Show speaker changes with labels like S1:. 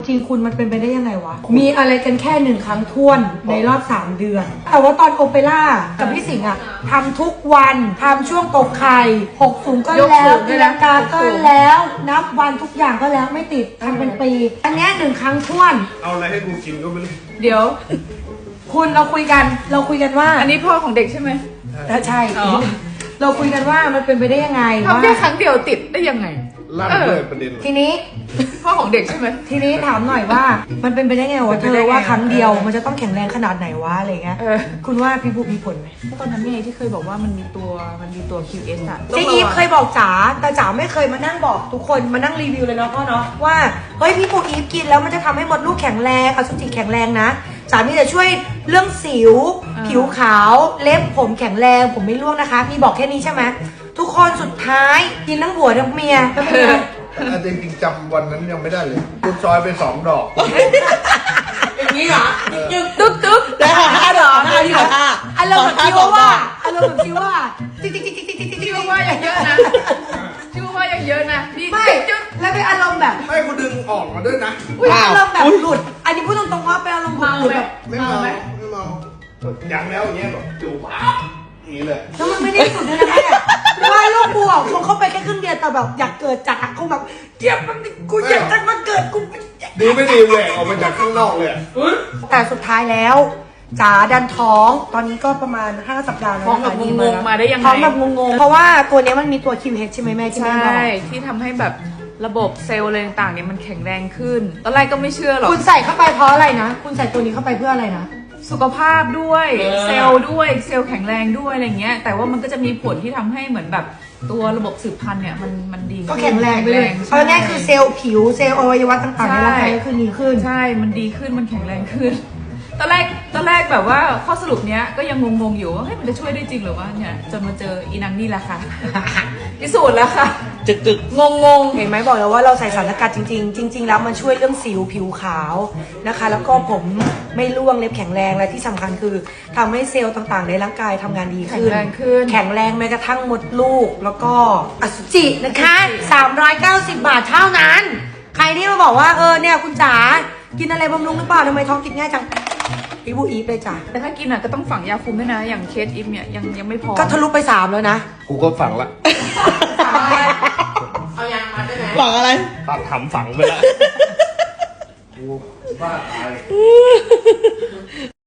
S1: จริงคุณมันเป็นไปได้ยังไงวะ มีอะไรกันแค่1 ครั้งท้วนในรอบ3 เดือน แต่ว่าตอนโอเปร่ากับพี่สิงห์อะทำทุกวันทำช่วงตกไข่6 สูงก็แล้วตีลังกาก็แล้วนับวันทุกอย่างก็แล้วไม่ติดทำเป็นปี อันนี้1 ครั้งท้วน
S2: เอาอะไรให้กูกินก็ไม่รู้
S3: เดี๋ยว
S1: คุณเราคุยกันว่า
S3: อันนี้พ่อของเด็กใช่ไหม
S1: ใช่
S3: อ๋อ
S1: เราคุยกันว่ามันเป็นไปได้ยังไงว่า
S3: ทำแค่ครั้งเดียวติดได้ยังไง
S2: ลั่นเลยประเด็น
S1: ทีนี้
S3: พ่อของเด็กใช่ไหม
S1: ถามหน่อยว่ามันเป็นไปได้ไงวะเธอว่าครั้งเดียวมันจะต้องแข็งแรงขนาดไหนวะอะไรเงี้ย
S3: เออ
S1: คุณว่าพี่บุ๊กมีผลไหม
S3: ตอนนั้นไงที่เคยบอกว่ามันมีตัว QS อะ
S1: เจ๊อีฟเคยบอกจ๋าแต่จ๋าไม่เคยมานั่งบอกทุกคนมานั่งรีวิวเลยเนาะพ่อเนาะว่าเฮ้ยพี่บุ๊กอีฟกินแล้วมันจะทำให้มดลูกแข็งแรงอสุจิแข็งแรงนะจ๋ามีแต่ช่วยเรื่องสิว ผิวขาวเล็บผมแข็งแรงผมไม่ร่วงนะคะมีบอกแค่นี้ใช่ไหมทุกคนสุดท้ายกินทั้งผัวทั้งเมียแล้วเป็นไง
S2: แต่จริงๆจำวันนั้นยังไม่ได้เลยกูซอยไป2 ดอก
S1: อย่างนี้เหรอ
S3: ตึ๊ก
S4: ได้ค่ะ5 ดอกนะคะที่ค่ะ
S1: อารมณ์แบบที่ว่าอารมณ์แบบที่ว่าติ๊กติ๊กติ๊กติ๊กติ๊กติ๊ก
S3: ชื่อว่ายังเยอะนะชื่อว่ายังเยอะนะนี่
S1: ไม่แล้วเป็นอารมณ์แบบ
S2: ไม่กูดึงออกมาด้วยนะ
S1: อุ้ยอารมณ์แบบหลุด อันนี้พูดตรงๆว่าเป็นอารมณ์ห
S3: เมา
S1: ลุด
S3: ไหม
S1: แบบ
S2: ไม่
S3: เมา
S2: เมา
S3: ไหม
S2: ไม่เมาอย่างแล้วอย่างเงี้ยแบบจู่ปั๊บอย่างนี้เลย
S1: แล้วมันไม่ได้สุดด้วยนะแม่เพราะว่าลูกกูอ่ะคงเข้าไปแค่ครึ่งเดียวแต่แบบอยากเกิดจากคงแบบเจ็บมันกูอยากจะมาเกิดกู
S2: ดีไม่ดีแหวกออกมาจากข้างนอกเลยอะ
S1: แต่สุดท้ายแล้วจ๋าดันท้องตอนนี้ก็ประมาณ5 สัปดาห์แล้ว
S3: ท้อง
S1: นะ
S3: แบ
S1: คะ
S3: บ
S1: ดี
S3: ง
S1: มาง
S3: ๆมาได้ยังไง
S1: ท้องแบบงงๆเพราะว่าตัวเนี้ยมันมีตัว QH ใช่ไหมแม่ที่แม่
S3: ใช่
S1: บอก
S3: ที่ทำให้แบบระบบเซลล์อะไรต่างๆเนี่ยมันแข็งแรงขึ้นตอนแรกก็ไม่เชื่อหรอก
S1: คุณใส่เข้าไปเพราะอะไรนะคุณใส่ตัวนี้เข้าไปเพื่ออะไรนะ
S3: สุขภาพด้วยเซลล์ด้วยเซลล์แข็งแรงด้วยอะไรเงี้ยแต่ว่ามันก็จะมีผลที่ทำให้เหมือนแบบตัวระบบสืบพันธุ์เนี่ยมันดี
S1: ก็แข็งแรงไปเลย
S3: ใช่
S1: เอาง่ายๆคือเซลล์ผิวเซลล์อวัยวะต่างๆในร่างกายก็คือดีขึ้น
S3: ใช่ มันดีขึ้น มันแข็งแรงขึ้น ตอนแรกแบบว่าข้อสรุปเนี้ยก็ยังงงๆอยู่ว่าเฮ้ยมันจะช่วยได้จริงหรือวะเนี่ยจนมาเจออีนังนี่แหละค่ะ พิสูจน์แล้วค่ะ
S4: จึก
S3: งง
S1: เห็นไหมบอกแล้วว่าเราใส่สารสกัดจริงๆ จริง ๆ แล้วมันช่วยเรื่องสิวผิวขาวนะคะ แล้วก็ผมไม่ร่วงเล็บแข็งแรงและที่สำคัญคือทำให้เซลล์ต่างๆ ในร่างกายทำงานดี
S3: แข็
S1: ขึ้
S3: ง
S1: น
S3: แรงขึ้น
S1: แข็งแรงแม้กระทั่งมดลูกแล้วก็อสุจินะคะ390 บาทเท่านั้น ใครที่มาบอกว่าเนี่ยคุณจ๋ากินอะไรบำรุงหรือเปล่าทำไมท้องติดง่ายจังพี่บูอีฟเลยจ้ะ
S3: แต่ถ้ากินอ่ะก็ต้องฝังยาคุมด้วยนะ อย่างเคสอิฟเนี่ยยังไม่พอ
S1: ก็ทะลุไป3แล้วนะ
S2: กูก็ฝังละ
S4: หวังอะไร
S2: ตัดถำฝังไปละกูบ้าตาย